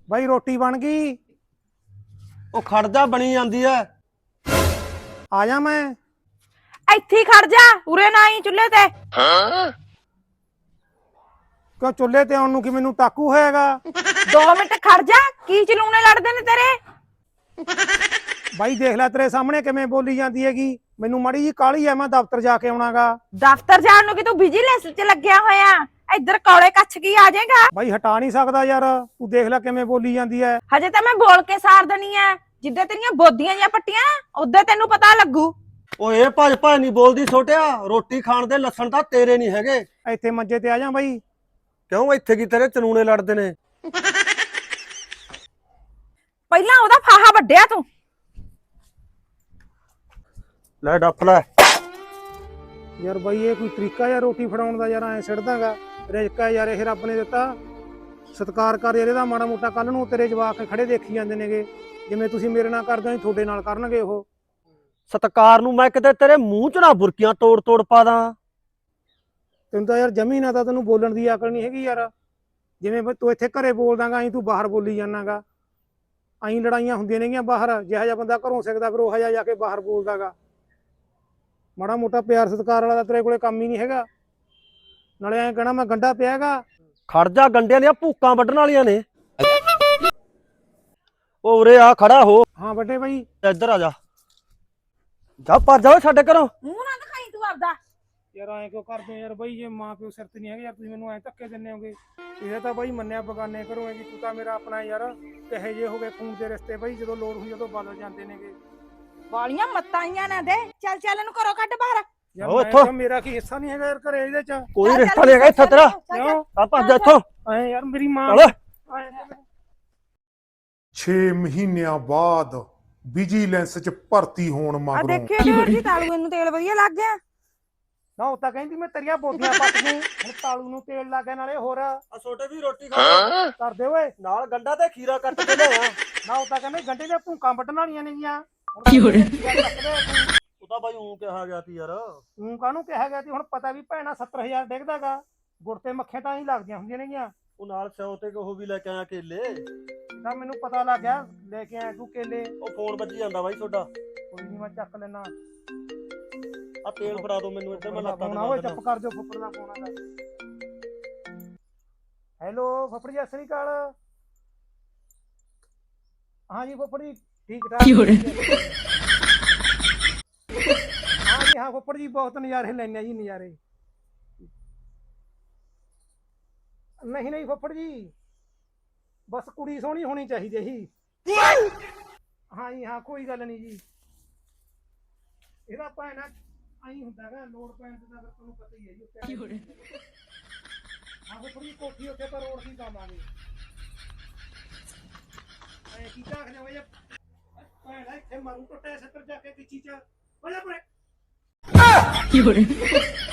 ਬਾਈ ਰੋਟੀ ਬਣ ਗਈ। ਉਹ ਖੜ ਜਾ, ਬਣੀ ਜਾਂਦੀ ਐ। ਆ ਜਾ ਮੈਂ ਇੱਥੇ ਹੀ ਖੜ ਜਾ, ਉਰੇ ਨਾ ਆਈ ਚੁੱਲ੍ਹੇ ਤੇ। ਕਿਉਂ ਚੁੱਲ੍ਹੇ ਤੇ ਆਉਣ ਨੂੰ ਕੀ ਮੈਨੂੰ ਟਾਕੂ ਹੋਏਗਾ? 2 ਮਿੰਟ ਖੜ ਜਾ, ਕੀ ਚਲੂਣੇ ਲੜਦੇ ਨੇ ਤੇਰੇ। ਬਾਈ ਦੇਖ ਲੈ ਤੇਰੇ ਸਾਹਮਣੇ ਕਿਵੇਂ ਬੋਲੀ ਜਾਂਦੀ ਹੈਗੀ। ਮੈਨੂੰ ਮਾੜੀ ਜੀ ਕਾਹਲੀ ਐ, ਮੈਂ ਦਫ਼ਤਰ ਜਾ ਕੇ ਆਉਣਾਗਾ। ਦਫ਼ਤਰ ਜਾਣ ਨੂੰ ਕਿ ਤੂੰ ਵਿਜੀਲੈਂਸ 'ਚ ਲੱਗਿਆ ਹੋਇਆ, ਇੱਧਰ ਕੌਲੇ ਕੱਛ ਕੀ ਆ ਜਾਏਗਾ। ਬਾਈ ਹਟਾ ਨਹੀਂ ਸਕਦਾ ਯਾਰ, ਤੂੰ ਦੇਖ ਲੈ ਕਿਵੇਂ ਬੋਲੀ ਜਾਂਦੀ ਐ। ਹਜੇ ਤਾਂ ਮੈਂ ਬੋਲ ਕੇ ਸਾਰ ਦੇਣੀ ਐ, ਜਿੱਦਾਂ ਤੇਰੀਆਂ ਬੋਦੀਆਂ ਜਾਂ ਪੱਟੀਆਂ ਉਦੋਂ ਤੈਨੂੰ ਪਤਾ ਲੱਗੂ। ਓਏ ਇਹ ਭੱਜ ਭੱਜ ਨਹੀਂ ਬੋਲਦੀ ਛੋਟਿਆ, ਰੋਟੀ ਖਾਣ ਦੇ ਲੱਛਣ ਤਾਂ ਤੇਰੇ ਨਹੀਂ ਹੈਗੇ। ਇੱਥੇ ਮੰਜੇ ਤੇ ਆ ਜਾ ਬਾਈ। ਕਿਉਂ ਇੱਥੇ ਕੀ ਤੇਰੇ ਚਨੂਨੇ ਲੜਦੇ ਨੇ? ਪਹਿਲਾਂ ਉਹਦਾ ਫਾਹਾ ਵੱਢਿਆ ਤੂੰ। ਲੈ ਡੱਫ ਲੈ। ਯਾਰ ਬਾਈ ਇਹ ਕੋਈ ਤਰੀਕਾ ਯਾਰ ਰੋਟੀ ਫੜਾਉਣ ਦਾ? ਯਾਰ ਐ ਸਿੱਟਦਾਗਾ ਰਿਜ਼ਕਾ ਯਾਰ, ਇਹ ਰੱਬ ਨੇ ਦਿੱਤਾ, ਸਤਿਕਾਰ ਕਰ ਯਾਰ ਇਹਦਾ ਮਾੜਾ ਮੋਟਾ। ਕੱਲ ਨੂੰ ਤੇਰੇ ਜਵਾਕ ਖੜੇ ਦੇਖੀ ਜਾਂਦੇ ਨੇਗੇ, ਜਿਵੇਂ ਤੁਸੀਂ ਮੇਰੇ ਨਾਲ ਕਰਦੇ ਹੋ ਤੁਹਾਡੇ ਨਾਲ ਕਰਨਗੇ ਉਹ। ਸਤਕਾਰ ਨੂੰ ਮੈਂ ਕਿਤੇ ਤੇਰੇ ਮੂੰਹ 'ਚ ਨਾ ਬੁਰਕੀਆਂ ਤੋੜ ਤੋੜ ਪਾ ਦਾਂ। ਤੈਨੂੰ ਤਾਂ ਯਾਰ ਜਮੀ ਨਾ ਤਾਂ ਤੈਨੂੰ ਬੋਲਣ ਦੀ ਅਕਲ ਨਹੀਂ ਹੈਗੀ ਯਾਰ। ਜਿਵੇਂ ਤੂੰ ਇੱਥੇ ਘਰੇ ਬੋਲਦਾਗਾ ਐਂ ਤੂੰ ਬਾਹਰ ਬੋਲੀ ਜਾਣਾਗਾ। ਐਂ ਲੜਾਈਆਂ ਹੁੰਦੀਆਂ ਨੇਗੀਆਂ ਬਾਹਰ, ਜਿਹੋ ਜਿਹਾ ਬੰਦਾ ਘਰੋਂ ਸਿੱਖਦਾ ਫਿਰ ਉਹ ਜਿਹਾ ਜਾ ਕੇ ਬਾਹਰ ਬੋਲਦਾਗਾ। ਮਾੜਾ ਮੋਟਾ ਪਿਆਰ ਸਤਿਕਾਰ ਵਾਲਾ ਤਾਂ ਤੇਰੇ ਕੋਲੇ ਕੰਮ ਹੀ ਨਹੀਂ ਹੈਗਾ। ਨਾਲੇ ਐਂ ਕਹਿਣਾ ਮੈਂ ਗੰਡਾ ਪਿਆ ਹੈਗਾ। ਖੜ ਜਾ, ਗੰਡਿਆਂ ਦੀਆਂ ਭੂਕਾਂ ਵੱਢਣ ਵਾਲੀਆਂ ਨੇ। ਉਹ ਉਰੇ ਆ, ਖੜਾ ਹੋ। ਹਾਂ ਵੱਡੇ ਬਾਈ। ਇੱਧਰ ਆ ਜਾ, ਜਾ ਪਰ ਜਾਓ ਸਾਡੇ ਘਰੋਂ। ਮੂੰਹ ਨਾ ਦਿਖਾਈ ਤੂੰ ਆਪਦਾ। ਯਾਰ ਐਂ ਕਿਉਂ ਕਰਦੇ ਯਾਰ ਬਾਈ? ਜੇ ਮਾਂ ਪਿਓ ਸਿਰ ਤੇ ਨਹੀਂ ਹੈਗੇ ਯਾਰ, ਤੁਸੀਂ ਮੈਨੂੰ ਐਂ ਧੱਕੇ ਦਿੰਦੇ ਹੋਗੇ। ਇਹ ਤਾਂ ਬਾਈ ਮੰਨਿਆ ਬਗਾਨੇ ਘਰੋਂ ਹੈ ਜੀ, ਤੂੰ ਤਾਂ ਮੇਰਾ ਆਪਣਾ ਯਾਰ। ਕਹੇ ਜੇ ਹੋ ਗਏ ਖੂਨ ਦੇ ਰਿਸ਼ਤੇ ਬਾਈ, ਜਦੋਂ ਲੋੜ ਹੋਈ ਉਦੋਂ ਬਦਲ ਜਾਂਦੇ ਨੇਗੇ। ਵਾਲੀਆਂ ਮੱਤਾਂ ਆਈਆਂ ਨਾ ਦੇ, ਚੱਲ ਚੱਲ ਇਹਨੂੰ ਘਰੋਂ ਕੱਢ ਬਾਹਰ। ਯਾਰ ਆਹੋ ਮੈਂ ਇੱਥੋਂ। ਕਿਹਾ ਮੇਰਾ ਕੀ ਹਿੱਸਾ ਨਹੀਂ ਹੈਗਾ ਯਾਰ ਘਰੇ ਇਹਦੇ ਚ? ਕੋਈ ਰਿਸ਼ਤਾ ਨਹੀਂ ਹੈਗਾ ਇੱਥੇ ਤੇਰਾ। ਕਿਉਂ ਆ ਭੱਜ ਜਾ ਇੱਥੋਂ। ਐਂ ਯਾਰ ਮੇਰੀ ਮਾਂ। ਚੱਲ। 6 ਮਹੀਨਿਆਂ ਬਾਅਦ ਵਿਜੀਲੈਂਸ ਚ ਭਰਤੀ ਹੋਣ ਆ ਮਗਰੋਂ ਦੇਖਿਓ ਡੇਢ ਜੀ ਤਾਲੂ ਇਹਨੂੰ ਤੇਲ ਵਧੀਆ ਲੱਗ ਗਿਆ। ਨਾ ਉਹ ਤਾਂ ਕਹਿੰਦੀ ਮੈਂ ਤੇਰੀਆਂ ਬੋਦੀਆਂ ਪੱਟ ਦੂੰ, ਹੁਣ ਤਾਲੂ ਨੂੰ ਤੇਲ ਲਾ ਕੇ ਨਾਲੇ ਹੋਰ ਆ ਛੋਟੇ ਵੀ ਰੋਟੀ ਖਾ ਕਰਦੇ ਓਏ। ਨਾਲ ਗੰਡਾ ਤੇ ਖੀਰਾ ਕੱਟ ਕੇ ਲਿਆ। ਨਾ ਉਹ ਤਾਂ ਕਹਿੰਦੇ ਗੰਡੇ ਦੀਆਂ ਭੂਕਾਂ ਵੱਢਣ ਵਾਲੀਆਂ ਨੇਗੀਆਂ। ਉਹ ਤਾਂ ਬਾਈ ਊਂ ਕਿਹਾ ਗਿਆ ਸੀ ਯਾਰ। ਤੂੰ ਕਾਹਨੂੰ ਕਿਹਾ ਗਿਆ ਸੀ? ਹੁਣ ਪਤਾ ਵੀ ਭੈਣਾ 70,000 ਡਿੱਗਦਾਗਾ, ਗੁੜ ਤੇ ਮੱਖੀਆਂ ਤਾਂ ਹੀ ਲੱਗਦੀਆਂ ਹੁੰਦੀਆਂ ਨੇਗੀਆਂ। ਉਹ ਨਾਲ ਸਿਓ ਤੇ ਉਹ ਵੀ ਲੈ ਕੇ ਆਇਆ ਕੇਲੇ। ਤਾਂ ਮੈਨੂੰ ਪਤਾ ਲੱਗ ਗਿਆ, ਲੈ ਕੇ ਆਇਆ ਤੂੰ ਕੇਲੇ। ਉਹ ਫੋਨ ਵੱਜੀ ਜਾਂਦਾ ਬਾਈ ਤੁਹਾਡਾ। ਕੋਈ ਨਹੀਂ ਮੈਂ ਚੱਕ ਲੈਣਾ। ਆ ਤੇਲ ਫੜਾ ਦੋ ਮੈਨੂੰ, ਇੱਧਰ ਮੈਂ ਲੱਤਾਂ ਫੋਨ ਓਏ ਚੁੱਪ ਕਰ ਦਿਓ, ਫੁੱਫੜ ਦਾ ਫੋਨ ਆਗਾ। ਹੈਲੋ ਫੁੱਫੜ ਜੀ, ਸਤਿ ਸ੍ਰੀ ਅਕਾਲ। ਹਾਂ ਜੀ ਫੁੱਫੜ ਜੀ, ਠੀਕ ਠਾਕ। ਹਾਂ ਜੀ ਹਾਂ ਫੁੱਫੜ ਜੀ, ਬਹੁਤ ਨਜ਼ਾਰੇ ਲੈਣੇ ਆ ਜੀ, ਨਜ਼ਾਰੇ। ਨਹੀਂ ਨਹੀਂ ਫੁੱਫੜ ਜੀ, ਬਸ ਕੁੜੀ ਸੋਹਣੀ ਹੋਣੀ ਚਾਹੀਦੀ ਜੀ। ਹਾਂ ਜੀ ਹਾਂ, ਕੋਈ ਗੱਲ ਨਹੀਂ ਜੀ। ਇਹਦਾ ਭੈਣਾ ਆਈ ਹੁੰਦਾ ਗਾ, ਲੋੜ ਪੈਣ ਤੇ ਤਾਂ ਫਿਰ ਤੁਹਾਨੂੰ ਪਤਾ ਹੀ ਹੈ ਜੀ। ਹਾਂ ਫੁੱਫੜ ਜੀ, ਕੋਠੀ ਉੱਤੇ ਤਾਂ ਰੋਡ ਦੀ ਪਾਵਾਂਗੇ। ਐ ਕੀ ਝਾਕਦੇ ਹੋ ਜੇ? ਭੈਣਾ ਇੱਥੇ ਮਾਰੂ ਟੁੱਟੇ ਸੱਤਰ ਜਾ ਕੇ ਕਿਚੀ ਚ। ਬੋਲੇ ਪਰੇ।